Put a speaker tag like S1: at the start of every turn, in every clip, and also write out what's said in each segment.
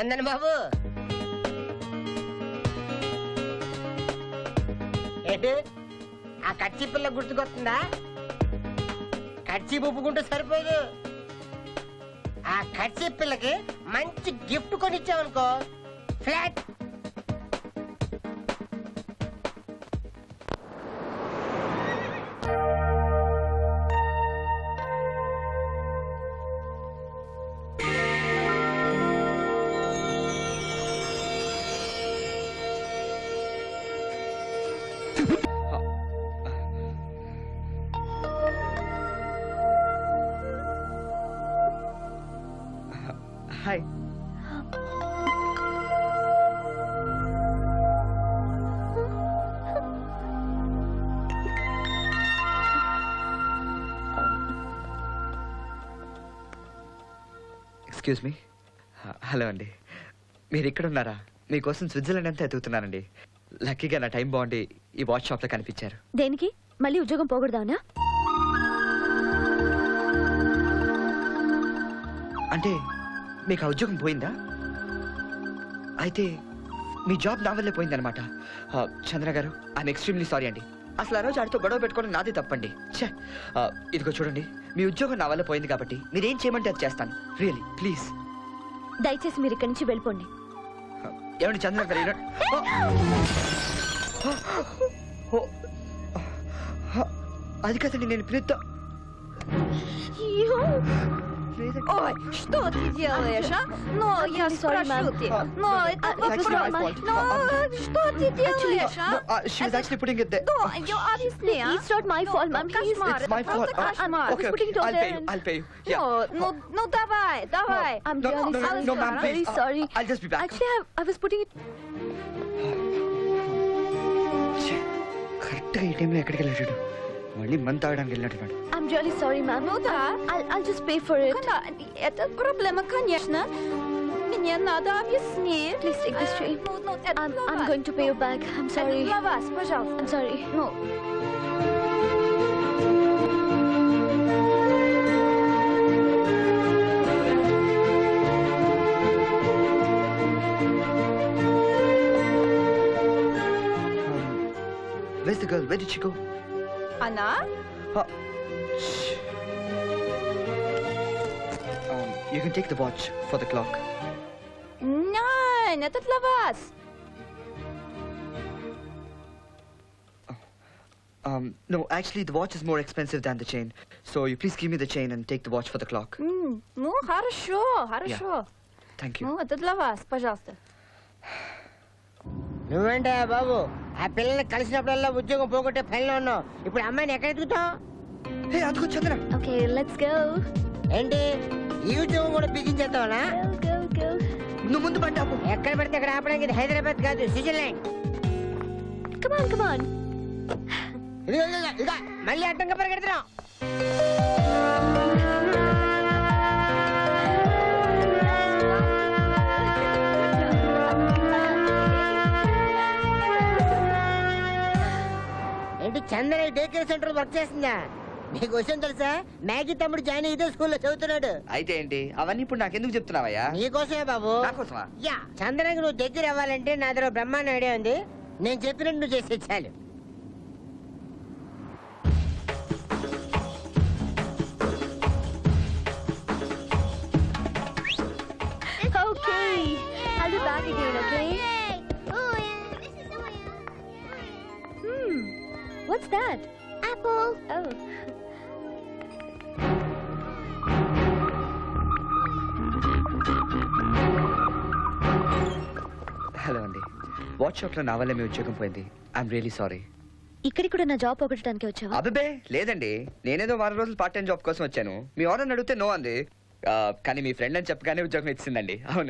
S1: చందన్ బాబు ఏంటి ఆ కచ్చి పిల్ల గుర్తుకొస్తుందా? కచ్చి ఉప్పుకుంటే సరిపోదు, ఆ కచ్చి పిల్లకి మంచి గిఫ్ట్ కొనిచ్చావనుకో flat.
S2: Hi. Excuse me. Hello అండి, మీరు ఇక్కడ ఉన్నారా? మీకోసం స్విట్జర్లాండ్ అంతా ఎదుగుతున్నానండి. లక్కీగా నా టైం బాగుండి ఈ వాచ్ షాప్లో కనిపించారు.
S3: దేనికి? మళ్ళీ ఉద్యోగం పోకూడదానా?
S2: అంటే మీకు ఆ ఉద్యోగం పోయిందా? అయితే మీ జాబ్ నా వల్లే పోయిందనమాట. చంద్ర గారు, ఐఎమ్ ఎక్స్ట్రీమ్లీ సారీ అండి. అసలు ఆ రోజు ఆడితో గొడవ పెట్టుకోవడం నాదే తప్పండి. ఛే, ఇదిగో చూడండి, మీ ఉద్యోగం నా వల్ల పోయింది కాబట్టి మీరేం చేయమంటే అది చేస్తాను. Really please.
S3: దయచేసి మీరు ఇక్కడి నుంచి వెళ్ళిపోండి.
S2: ఏమండి చంద్ర గారు, అది కదండి నేను పిలుద్దా.
S4: Ой, что ты делаешь, а? Но я спрошу тебя. Но это вопрос. Но что ты делаешь, а?
S2: She was actually putting it there.
S4: No, you объясни, а?
S3: It's not my fault, ma'am.
S4: Кошмар.
S2: It's my fault. Okay,
S3: putting it over there.
S2: I'll pay you. Yeah.
S4: Ну давай.
S3: I'm
S2: No,
S3: really
S2: no,
S3: sorry.
S2: no, ma'am,
S3: I'm
S2: please.
S3: very sorry.
S2: I'll just be back.
S3: Actually, I was putting it.
S2: కరెక్ట్గా ఈ టైంలో ఎక్కడికి వెళ్ళాడు? మళ్ళీ month తాగడానికి వెళ్ళినట్టున్నాడు.
S3: I'm really sorry, ma'am.
S4: Ну да.
S3: I'll just pay for it.
S4: Это проблема, конечно. Мне надо объяснить.
S3: Please take this train.
S4: Ну, это
S3: I'm
S4: для вас.
S3: going to pay you back. I'm sorry.
S4: Это для вас, пожалуйста.
S3: I'm sorry.
S4: Ну.
S2: Where's the girl? Where did she go?
S4: Она?
S2: You can take the watch for the clock.
S4: Нет, это для вас.
S2: No, actually the watch is more expensive than the chain. So you please give me the chain and take the watch for the clock.
S4: Ну, хорошо, хорошо.
S2: Thank you.
S4: Ну, это для вас, пожалуйста.
S1: నువ్వేంటే బాబు ఆ పిల్లల్ని కలిసినప్పుడల్లా ఉద్యోగం పోగొట్టే పనిలో ఉన్నావు. ఇప్పుడు అమ్మాయిని ఎక్కడ ఎదుగుతావు?
S2: Hey, అదిగో చంద్ర.
S3: Okay, let's go.
S1: ఏంటి ఈ ఉద్యోగం కూడా బిగించేస్తావనా?
S3: Go.
S2: నువ్వు ముందు బండి ఆపు.
S1: ఎక్కడ పడితే అక్కడ ఆపడానికి ఇది హైదరాబాద్ కాదు, స్విట్జర్లాండ్.
S3: Come on.
S1: ఇదిగో మళ్ళీ అడ్డంగా పరిగెడుతున్నావు. ఏంటి Chandana day care centre work చేస్తుందా? నీకు విషయం తెలుసా? మ్యాగీ తమ్ముడు జాయిన్ ఇదే స్కూల్లో చదువుతున్నాడు.
S2: అయితే ఏంటి అవన్నీ ఇప్పుడు నాకెందుకు చెప్తున్నావయ్యా?
S1: నీకోసమే బాబు.
S2: నాకోసమా?
S1: యా, చందనకి నువ్వు దగ్గర అవ్వాలంటే నా దగ్గర బ్రహ్మాండ ఐడియా ఉంది. నేను చెప్పినట్టు నువ్వు చేసే చాలు.
S3: Okay. I'll be back again, okay? What's that?
S4: Apple.
S3: Oh.
S2: Hello అండి, వాచ్ షాప్ లో నా వల్ల మీ ఉద్యోగం పోయింది. I'm really sorry.
S3: ఇక్కడికి కూడా నా జాబ్ పోగొట్టడానికి వచ్చావా?
S2: అబ్బే లేదండి, నేనేదో వారం రోజులు పార్ట్ టైం జాబ్ కోసం వచ్చాను. మీ ఆర్డర్ అడిగితే నో అంది. కానీ మీ ఫ్రెండ్ అని చెప్పగానే ఉద్యోగం ఇచ్చిందండి. అవును.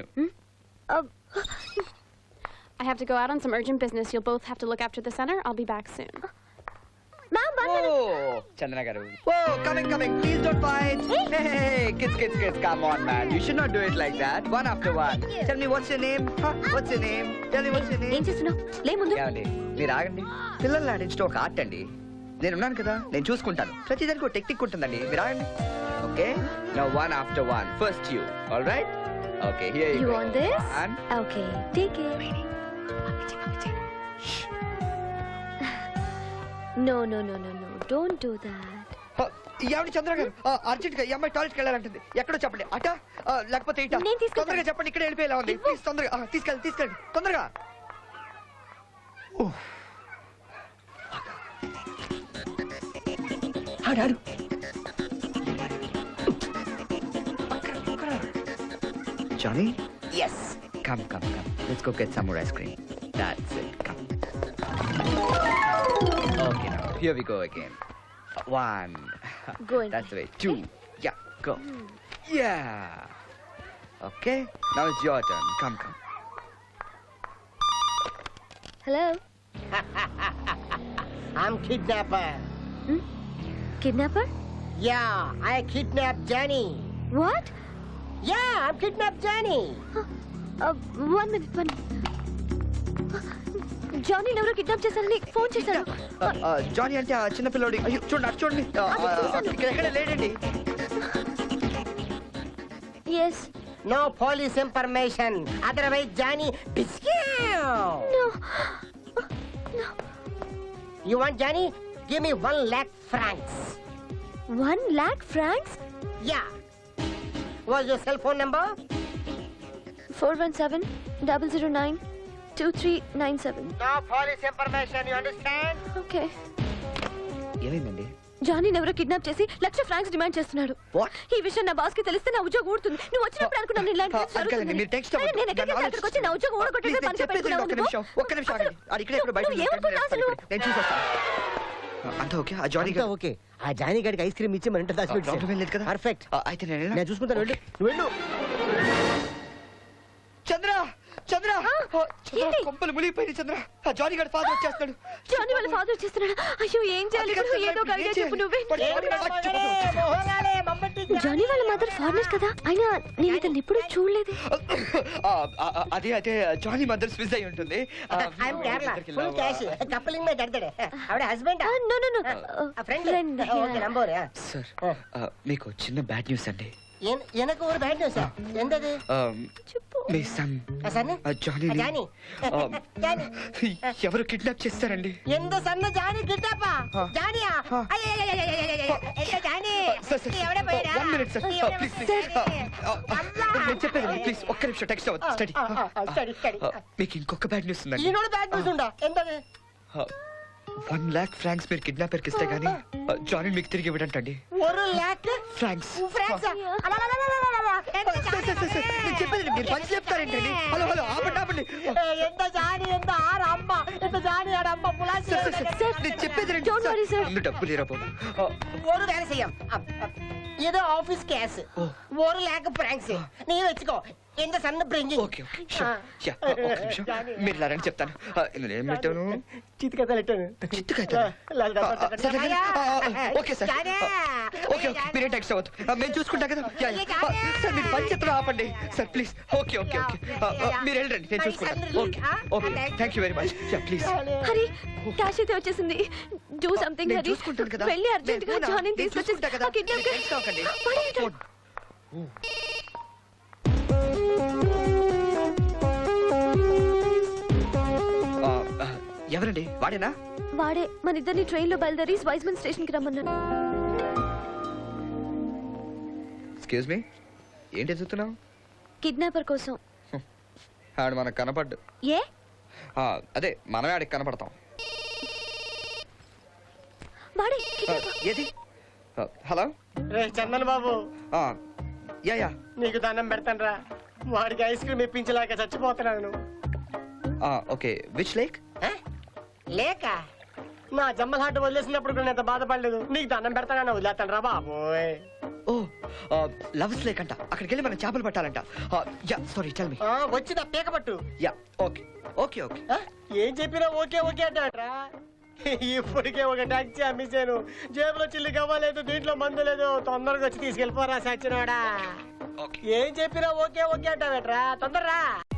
S5: I have to go out on some urgent business. You'll both have to look after the center. I'll be back soon.
S3: Ma'am,
S2: Chandana garu. Whoa, coming. Please don't fight. Hey, kids. Come on, man. You should not do it like that. One after one. Tell me what's your name? Huh? What's your name? Tell me what's your name?
S3: ఏం చేస్తున్నావు? లే ముందు.
S2: ఏమండి మీరు ఆగండి. పిల్లల్ని ఆడించడం ఒక art అండి. నేనున్నాను కదా, నేను చూసుకుంటాను. ప్రతిదానికి ఒక టెక్నిక్ ఉంటుందండి. మీరు ఆగండి. Okay, now one after one. First you. All right? Okay, here
S3: You want this?
S2: One.
S3: Okay, take it. No, no, no, no, no. Don't do that.
S2: ఏమండి చంద్ర గారు, అర్జెంట్ గా ఈ అమ్మాయి టాయిలెట్కి వెళ్ళాలంటుంది. ఎక్కడో చెప్పండి. అట లేకపోతే ఇట?
S3: నేను తీసుకెళ్తాను.
S2: తొందరగా చెప్పండి, ఇక్కడ వెళ్ళిపోయేలా ఉంది. ప్లీజ్ తొందరగా తీసుకెళ్ళండి తొందరగా. ఆడాడు. Johnny?
S1: Yes.
S2: Come. Let's go get some more ice cream. That's it. Come. Okay, now here we go again. One.
S3: Go in.
S2: That's the way. Two. Yeah, go. Yeah. Okay. Now it's your turn. Come.
S3: Hello?
S1: I'm kidnapper.
S3: Kidnapper?
S1: Yeah, I kidnapped Johnny.
S3: What?
S1: Yeah, I'm kidnapped Johnny.
S3: 1 minute. Johnny ఎవరో kidnap చేశారని phone చేశారు.
S2: Johnny అంటే ఆ చిన్న పిల్లోడి. అయ్యో చూడండి, అటు చూడండి. ఇక్కడ ఎక్కడ లేడండి.
S3: Yes.
S1: No police information. Otherwise, Johnny.
S3: No.
S1: You want Johnny? Give me 1 lakh francs.
S3: 1 lakh francs?
S1: Yeah. What's your cell phone number?
S3: 417-009-2397.
S1: No police information. You understand?
S3: Okay.
S2: ఏమైందండి?
S3: జానీ ఎవరో కిడ్నాప్ చేసి 1,00,000 ఫ్రాంక్స్ డిమాండ్ చేస్తున్నాడు.
S2: What?
S3: ఈ విషయం నా boss కి తెలిస్తే నా ఉద్యోగం ఊడుతుంది. నువ్వు వచ్చినప్పుడు అనుకున్నాను ఇలాంటి
S2: అంకల్, మీరు టెక్స్ట్
S3: నేను ఎక్కడికి అక్కడికి వచ్చి నా ఉద్యోగం ఊడగొట్టేసి పని చెప్పేస్తున్నావు.
S2: ఒక్క నిమిషం ఆగండి. అది ఇక్కడే ఎక్కడో బయట
S3: ఏమనుకున్నావు అసలు?
S2: నేను చూసొస్తాను. అంతా ఓకే? ఆ జానీ గారు
S1: ఓకే. ఆ జానీ గడికి ఐస్ క్రీమ్ ఇచ్చి మన ఇంటర్
S2: ప్రాబ్లం ఏం లేదు కదా?
S1: పర్ఫెక్ట్.
S2: అయితే నేను
S1: నేను చూసుకుంటాను. వెళ్ళు, నువ్వు వెళ్ళు.
S2: చంద్ర
S3: ఏంటి?
S2: కొంపలు మునిగిపోయింది. చంద్ర, ఆ జానీ గారి ఫాదర్ వచ్చేస్తాడు.
S3: జానీ వాళ్ళ ఫాదర్ వచ్చేస్తున్నాడు. అయ్యో ఏం చేయాలి ఇప్పుడు? ఏదో ఒక ఐడియా చెప్పు నువ్వే. జానీ వాళ్ళ మదర్ ఫారినర్ కదా, అయినా నేను ఇతను ఎప్పుడు చూడలేదు.
S2: అదే అయితే జానీ మదర్ స్విస్ అయి ఉంటుంది.
S1: I'm Kerala. Full cash. Coupling में दर्द है. ఆవిడ husband.
S3: No
S1: friend.
S3: Friend.
S1: Okay, number.
S2: Sir, మీకు చిన్న బ్యాడ్ న్యూస్ అండి.
S1: எனக்கு ஒரு பேட் நியூஸ். என்னது?
S3: చెప్పు.
S2: మీ son
S1: son
S2: Johnny
S1: Johnny. Johnny
S2: ఎవరు కిడ్నాప్ చేస్తారండి?
S1: ఎంత సన్న జానీ కిడ్నాపా? జానీయా? ఎంత జానీ? ఎవడే పోయిరా?
S2: 1 minute సార్, ప్లీజ్. నేను చెప్పేది ప్లీజ్ ఒక్క నిమిషం. టెక్స్ట్ అవ్వదు. స్టడీ. మీకు ఇంకొక బ్యాడ్ న్యూస్ ఉందండి.
S1: ఈనోడు బ్యాడ్ న్యూస్ ఉందా? ఎంతది?
S2: 1 lakh ఫ్రాంక్స్ మీరు కిడ్నాపర్కి ఇస్తే గానీ జానీ మీకు తిరిగి ఇవ్వడంటండి.
S1: 1 lakh
S2: ఫ్రాంక్స్.
S1: ఫ్రాంక్స్.
S2: నేను చెప్పేది మీరు పంచి చెప్తారేంటండి? హలో ఆపండి.
S1: ఎంత జానీ, ఎంత ఆర అమ్మ, ఎంత జానీ ఆడ అమ్మ పులాసి.
S2: నేను చెప్పేది
S3: Don't worry, sir.
S2: ముందు డబ్బు లేరా బాబు?
S1: ஒரு வேலை செய்யும். ஏதோ ஆபீஸ் கேஸ். 1 lakh francs. நீ வெச்சுக்கோ. ఎంత సన్న బ్రింగింగ్.
S2: ఓకే ఒక్క నిమిషం. మీరు లారని చెప్తాను. ఇందులో ఏం పెట్టాను?
S1: చిత్తుకథ లెట్టాను.
S2: Okay sir. ఓకే మీరే టెక్స్ట్ అవ్వద్దు, మేము చూసుకుంటాం కదా. సార్ మీరు పని చెప్తాను ఆపండి సార్ ప్లీజ్. ఓకే మీరు వెళ్ళండి, నేను చూసుకుంటాను. Okay thank you very much. Please.
S3: Hari, cash అయితే వచ్చేసింది. Do something Hari.
S2: చూసుకుంటాను కదా.
S3: వెళ్ళి అర్జెంట్ గా జానీని తీసుకొచ్చేసి ఆ కిడ్నాప్
S2: ఎవరండి? వాడేనా?
S3: వాడే. మన ఇద్దరిని ట్రైన్ లో బయలుదేరి వైజ్మన్ స్టేషన్ కి రమ్మన్నాను.
S2: ఎక్స్క్యూజ్ మీ, ఏంటి ఎదుగుతున్నావు?
S3: కిడ్నాపర్ కోసం.
S2: ఆడు మనకు కనపడ్డు.
S3: ఏ?
S2: అదే మనమే ఆడికి కనపడతాం.
S3: వాడే
S2: ఏది? హలో
S1: రే చందన్ బాబు,
S2: యా
S1: నీకు దండం పెడతాను రా. వాడికి ఐస్ క్రీమ్ ఇప్పించలేక చచ్చిపోతున్నాను.
S2: Okay which lake?
S1: లేక నా జమ్మల్ హాట్ వదిలేసినప్పుడు కూడా నేను బాధపడలేదు. నీకు దండం పెడతానని వదిలేస్తాను రా బాబోయ్.
S2: ఓ లవ్స్ లేక్ అంట. అక్కడికి వెళ్ళి మనం చేపలు పట్టాలంట. Yeah sorry tell me.
S1: వచ్చిందా పీక పట్టు.
S2: Yeah okay.
S1: ఏం చెప్పినా ఓకే అంటాడ్రా. ఇప్పటికే ఒక టాక్సీ అమ్మేశాను. జేబులో చిల్లి కావాలేదు, దీంట్లో మందు లేదు. తొందరగా వచ్చి తీసుకెళ్ళిపోరా సచ్చినోడా. ఏం చెప్పినా ఓకే అంటావేట్రా. తొందరరా.